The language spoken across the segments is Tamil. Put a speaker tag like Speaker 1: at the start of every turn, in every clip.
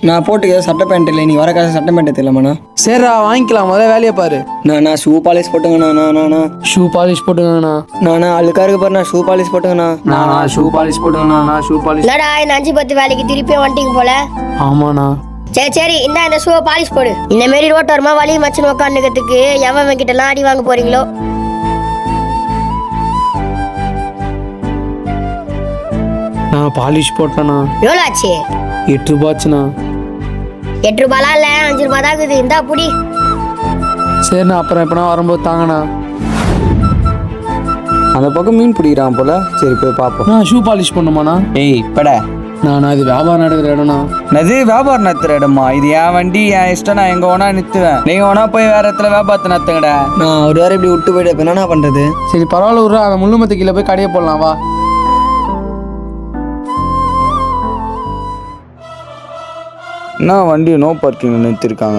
Speaker 1: நான் போட்டுக்க சட்டை பேண்ட் இல்லை, நீ வர காசு சட்டை பேண்ட் தெரியலமாண்ணா.
Speaker 2: சரிடா வாங்கிக்கலாம், முதல்ல வேலையை பாரு.
Speaker 1: நான் ஷூ பாலிஷ் போட்டுங்கண்ணா.
Speaker 2: ஷூ பாலிஷ் போட்டுங்கண்ணா.
Speaker 1: நானா அழுக்கா இருக்கு பாரு, நான் ஷூ பாலிஷ் போட்டுங்கண்ணா.
Speaker 2: நான் ஷூ பாலிஷ் போட்டுங்கண்ணா. Shoe polish.
Speaker 3: என்னடா இந்த 5-10 வேலைக்கு திருப்பி வந்துட்டீங்க போல.
Speaker 2: ஆமாண்ணா.
Speaker 3: சரி இந்த ஷூவை பாலிஷ் போடு. இந்த மாரி ரோட்டோரமா வலி மச்சன் உட்காந்துக்கிறதுக்கு எவன் கிட்ட எல்லாம் அடி வாங்க போறீங்களோ.
Speaker 2: நான் பாலிஷ் போட்டேண்ணா.
Speaker 3: எவ்வளோ ஆச்சு?
Speaker 2: 8 ரூபாச்சுண்ணா.
Speaker 3: 8 ரூபாலாம் இல்ல, 5 ரூபா தான் இருக்குது. இந்தா புடி.
Speaker 2: சரிண்ணா, அப்புறம் எப்பனா வரும்போது தாங்கண்ணா.
Speaker 1: அந்த பக்கம் மீன் பிடிக்கிறான் போல, சரி போய் பார்ப்போம்.
Speaker 2: நான் ஷூ பாலிஷ் பண்ணுமாண்ணா.
Speaker 1: ஏய் பட
Speaker 2: நான் இது வியாபாரம் நடக்கிற இடம்ண்ணா.
Speaker 1: அது வியாபாரம் நடத்துற இடமா? இது என் வண்டி, என் இஷ்டம், நான் எங்க வேணா நிறுத்துவேன். நீங்க வேணா போய் வேற இடத்துல வியாபாரத்தை நடத்துங்கடா. நான் ஒரு வாரம் இப்படி விட்டு போயிட்டு என்ன பண்றது?
Speaker 2: சரி பரவாயில்ல விட்றா, அதை முள்ளுமத்து கீழே போய் கடையை போடலாம் வா.
Speaker 1: என்ன வண்டி நோ பார்க்கிங் நிறுத்திருக்காங்க?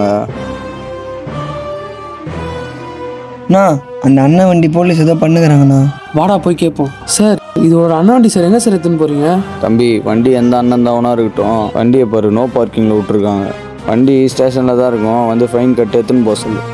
Speaker 1: அண்ணா அந்த அண்ணன் வண்டி போலீஸ் ஏதோ பண்ணுகிறாங்கண்ணா.
Speaker 2: வாடா போய் கேட்போம். சார் இது ஒரு அண்ணா வண்டி சார், எங்கே சார் எடுத்துன்னு போறீங்க?
Speaker 1: தம்பி வண்டி எந்த அண்ணன் தாவனா இருக்கட்டும், வண்டியை பாரு நோ பார்க்கிங்கில் விட்டுருக்காங்க. வண்டி ஸ்டேஷனில் தான் இருக்கும், வந்து ஃபைன் கட்டு எடுத்துன்னு போக சொல்லு.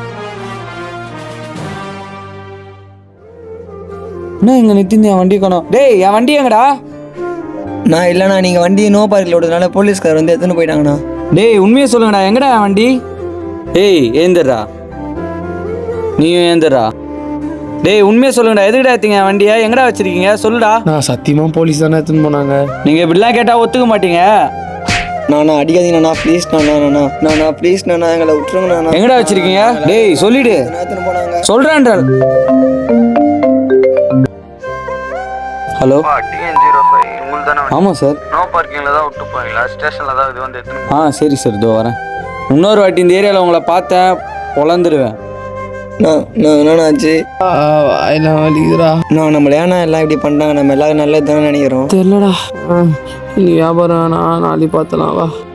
Speaker 2: என்ன இங்கே நிறுத்தி என் வண்டி காணோம்.
Speaker 1: டேய் என் வண்டி எங்கடா? நான் இல்லைண்ணா, நீங்கள் வண்டி நோ பார்க்கில் விடுறதுனால போலீஸ்கார் வந்து எடுத்துன்னு போயிட்டாங்கண்ணா. டேய் உண்மையை சொல்லுங்கடா, எங்கடா என் வண்டி? ஏய் ஏந்திரா, நீயும் ஏந்திரா. டேய் உண்மையை சொல்லுங்கடா, எதுக்கடா எடுத்தீங்க என் வண்டியை? எங்கடா வச்சிருக்கீங்க சொல்லுடா.
Speaker 2: நான் சத்தியமாக போலீஸ் தானே எடுத்துன்னு போனாங்க.
Speaker 1: நீங்கள் இப்படிலாம் கேட்டால் ஒத்துக்க மாட்டீங்க. நானா அடிக்காதீங்கண்ணா ப்ளீஸ். நானா ப்ளீஸ் நானா எங்களை விட்டுருங்கண்ணா. எங்கடா வச்சிருக்கீங்க? டேய் சொல்லிடு. சொல்கிறேன்றால். ஹலோ ஆமாம் சார்.
Speaker 4: நோ பார்க்கிங்கில் தான் விட்டு போவீங்களா? ஸ்டேஷனில் தான் இது வந்து எடுத்துன்னு.
Speaker 1: சரி சார் இதோ வரேன். இன்னொரு வாட்டி இந்த ஏரியாவில் உங்களை பார்த்தேன் பொழந்துருவேன். என்னாச்சு?
Speaker 2: எல்லாம் வலிக்குதுடா.
Speaker 1: நம்மள ஏன்னா எல்லாம் இப்படி பண்ணுறாங்க, நம்ம எல்லாரும் நல்லது தானே நினைக்கிறோம்.
Speaker 2: தெரியலடா. நீ வியாபாரம் நாளைக்கு பார்த்தலாம் வா.